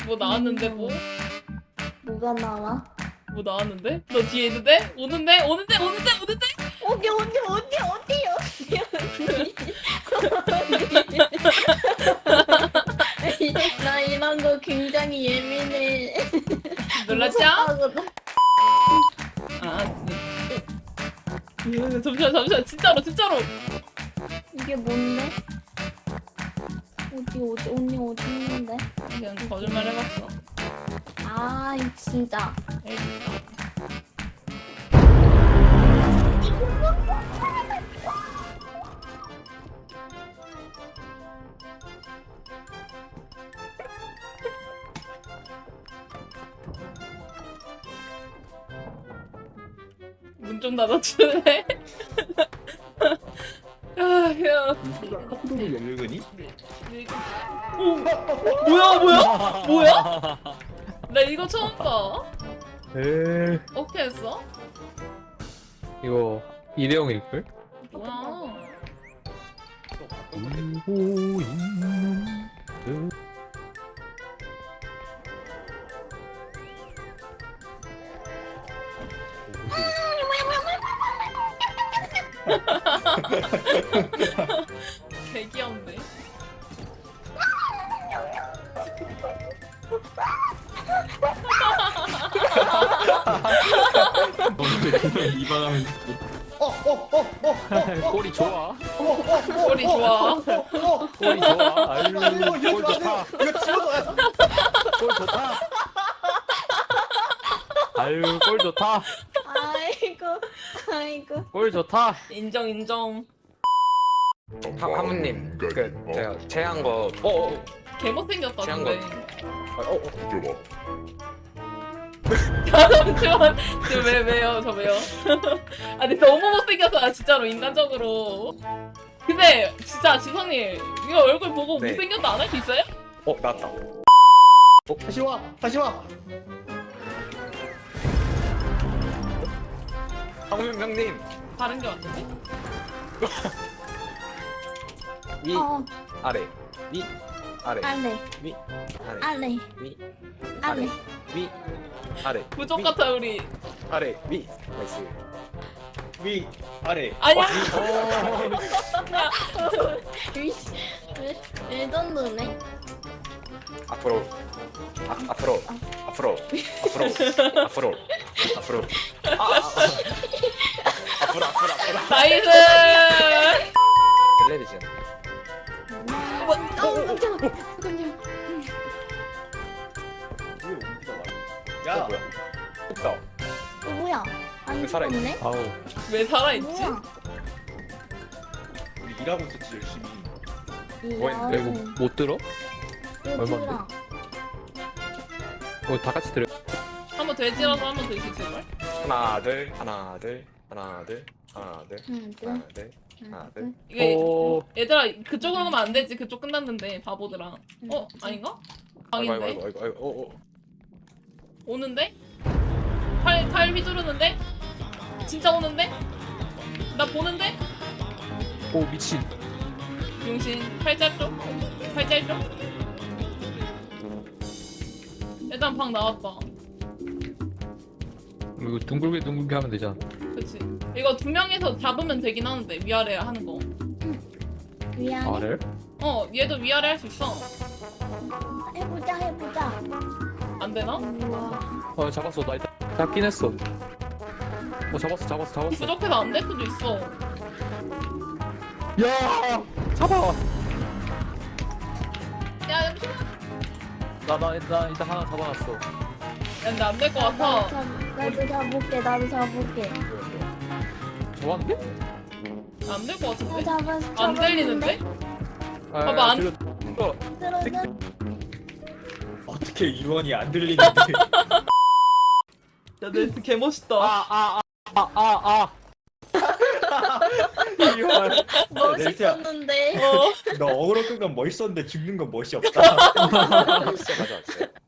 뭐 나왔는데 뭐? 뭐가 나와? 뭐 나왔는데? 너 뒤에 있는데? 오는데? 오는데? 어디 나 이런 거 굉장히 예민해. 놀랐죠? 무섭다거든. 잠시만 진짜로 이게 뭔데? 언니 어디 있는데? 그냥 거짓말 해봤어. 아, 이 진짜. 문 좀 닫아줄래? 야. 카프로를 열거니? 뭐야? 나 이거 처음 봐. 에 어떻게 했어? 이거 일회용일걸? 뭐야? 울고 있는 그 개 귀여운데. 이반하면 꼬리 좋아. 꼬리 좋아. 꼬리 좋아. 아유 꼴 좋다. 이거 집어넣어야 꼴 좋다. 아유 꼴 좋다. 아이고. 꼴 좋다. 인정. 하무님 그 제가 제한 거 개 못생겼다 취한 근데. 잠시만. 왜요? 저 왜요? 아니 너무 못생겨서 진짜로 인간적으로. 근데 진짜 지성님 이거 얼굴 보고 네. 못생겼다 안 할 수 있어요? 나왔다. 다시 와 하무님 형님 다른 게 왔는데? 위 아래 위 아래 알레. 위 아래 알레. 위 알레. 위 아래 부족 위, 같아 우리. 아래 위 나이스. 위 아래 아니야. 왜 정도네? 앞으로 앞으로 앞으로 나이스. 텔레비전 잠깐만. 왜 옮기다 말이야 야 야 뭐야 없다. 뭐야? 안 왜 살아있- 죽었네? 아우 왜 살아있지? 뭐야? 우리 일하고 있었지 열심히 뭐 했는데? 이거 못 들어? 얼마인데? 다 같이 들어. 한번 돼지라서 한번 돼지 제발. 하나 둘 이게 오. 얘들아 그쪽으로 가면 안 되지. 그쪽 끝났는데 바보들아. 아닌가? 방인데? 아이고 오는데? 팔 휘두르는데? 진짜 오는데? 나 보는데? 오 미친. 용신 팔짤 쪽? 일단 방 나왔다. 이거 둥글게 하면 되잖아. 그치. 이거 두 명이서 잡으면 되긴 하는데 위아래 하는 거. 미안해. 아래? 얘도 위아래 할 수 있어. 해보자. 안 되나? 우와. 잡았어. 나 일단 잡긴 했어. 잡았어. 부족해서 안 될 수도 있어. 야 잡아. 야 잠시만. 나 일단 하나 잡아놨어. 야 근데 안 될 것 같아. 나도 잡을게. 잡았는데? 안 될 것 같은데? 잡았어. 안 들리는데? 봐봐, 안- 들어는 어떻게 유언이 안 들리는데 야 내 개 멋있다. 유언 멋있었는데. 너 어그로 끈 건 멋있었는데 죽는 건 멋이 없다 진짜 가져왔어요.